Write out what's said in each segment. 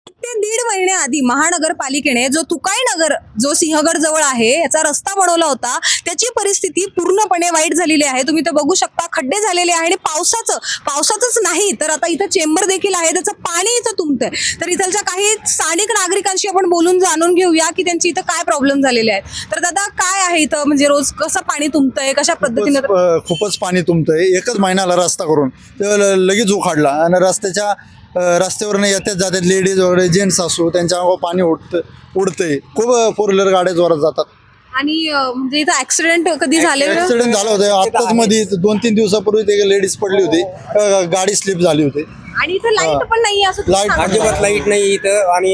ते दीड महिन्याआधी महानगरपालिकेने जो तुकाई नगर जो सिंहगड जवळ आहे याचा रस्ता बनवला होता, त्याची परिस्थिती पूर्णपणे वाईट झालेली आहे. तुम्ही ते बघू शकता, खड्डे झालेले आहे आणि पावसाचंच नाही तर आता इथं चेंबर देखील आहे, त्याचं पाणी इथं तुंबतंय. तर इथलच्या काही स्थानिक नागरिकांशी आपण बोलून जाणून घेऊया की त्यांची इथं काय प्रॉब्लेम झालेले आहेत. तर दादा, काय आहे इथं, म्हणजे रोज कसं पाणी तुंबतंय, कशा पद्धतीने? खूपच पाणी तुंबतंय. एकच महिन्याला रस्ता करून ते लगेच उखाडला आणि रस्त्यावरनं येतात जातात लेडीज वगैरे, जेंट्स असो, त्यांच्या अंगावर पाणी उडतंय. खूप फोर व्हीलर गाड्या जोरात जातात आणि म्हणजे इथं ऍक्सिडेंट कधी झालेलं? ऍक्सिडेंट झालं होतं आताच मध्ये 2-3 दिवसापूर्वी. ते लेडीज पडली होती, गाडी स्लिप झाली होती. आणि इथं लाईट पण नाही असं तुम्ही लाईट- सांगताय. अजिबात लाईट नाही इथं आणि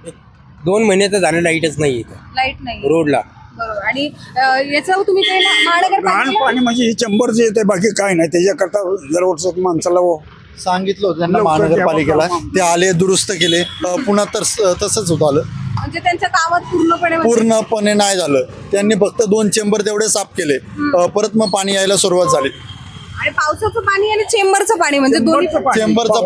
2 महिने तर झाले लाईटच नाही इथं लाईट नाही रोडला. बरोबर. आणि याचं तुम्ही काही महानगरपालिकेला लहान पाणी म्हणजे ही चंबर जे येते, बाकी काय नाही. त्याच्याकरता जर माणसाला सांगितलं होतं त्यांना लवकर महानगरपालिकेला, द्यावं. ते आले, दुरुस्त केले. पुन्हा तर तसंच होत आलं. म्हणजे त्यांच्या कामात पूर्णपणे पूर्णपणे नाही झालं. त्यांनी फक्त 2 चेंबर तेवढे साफ केले. परत मग पाणी यायला सुरुवात झाली. आणि पावसाचं पाणी आणि चेंबरचं पाणी म्हणजे दोन्ही चेंबरचं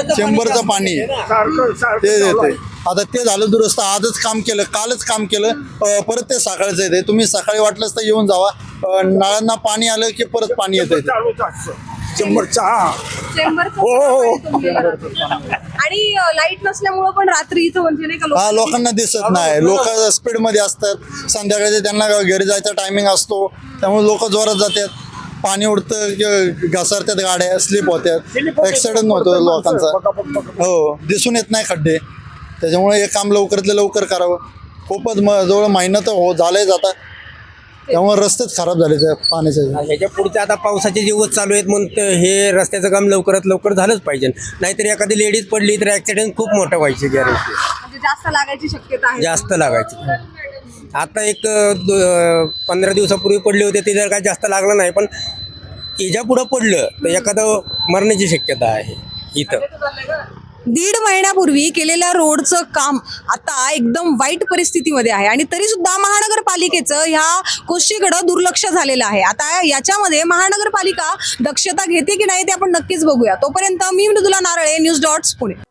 पाणी सारखं ते देते. आता ते झालं दुरुस्त. आजच काम केलं, कालच काम केलं. परत ते सकाळचं येते. तुम्ही सकाळी वाटलंच तर येऊन जावा. नळांना पाणी आलं की परत पाणी येते. चालूच असतं चंबरचा. चेंबरचं हो. पाणी तुंबलेलं राहतं. आणि लाईट नसल्यामुळं पण रात्री इथं म्हणजे नाही का हा, लोकांना दिसत नाही. लोक स्पीड मध्ये असतात. संध्याकाळी त्यांना घरी जायचा टायमिंग असतो, त्यामुळे लोक जोरात जातात. पाणी उडतं, घसरतात, गाड्या स्लिप होतात, ऍक्सिडेंट होतो लोकांचा. हो, दिसून येत नाही खड्डे. त्याच्यामुळे हे काम लवकरातलं लवकर करावं. खूपच जवळ महिना तर झालंय जाता. त्यामुळे रस्तेच खराब झाले त्या पाण्याचे. ह्याच्या पुढचे आता पावसाचे दिवस चालू आहेत म्हणून हे रस्त्याचं काम लवकरात लवकर झालंच पाहिजे. नाहीतर एखादी लेडीज पडली तर ऍक्सिडेंट खूप मोठं व्हायची गॅरंटी, म्हणजे जास्त लागायची शक्यता आहे. जास्त लागायची. आता एक 15 दिवसापूर्वी पडले होते, ते जर काय जास्त लागलं नाही, पण याच्या पुढं पडलं तर एखादं मरण्याची शक्यता आहे इथं. दीड महिन्यापूर्वी केलेल्या रोडचं काम आता एकदम वाईट परिस्थितीमध्ये आहे आणि तरी सुद्धा महानगरपालिकेचं ह्या गोष्टीकडे दुर्लक्ष झालेलं आहे. आता याच्यामध्ये महानगरपालिका दक्षता घेते की नाही ते आपण नक्कीच बघूया. तोपर्यंत मी मृदुला नारळे, न्यूज डॉट्स पुणे.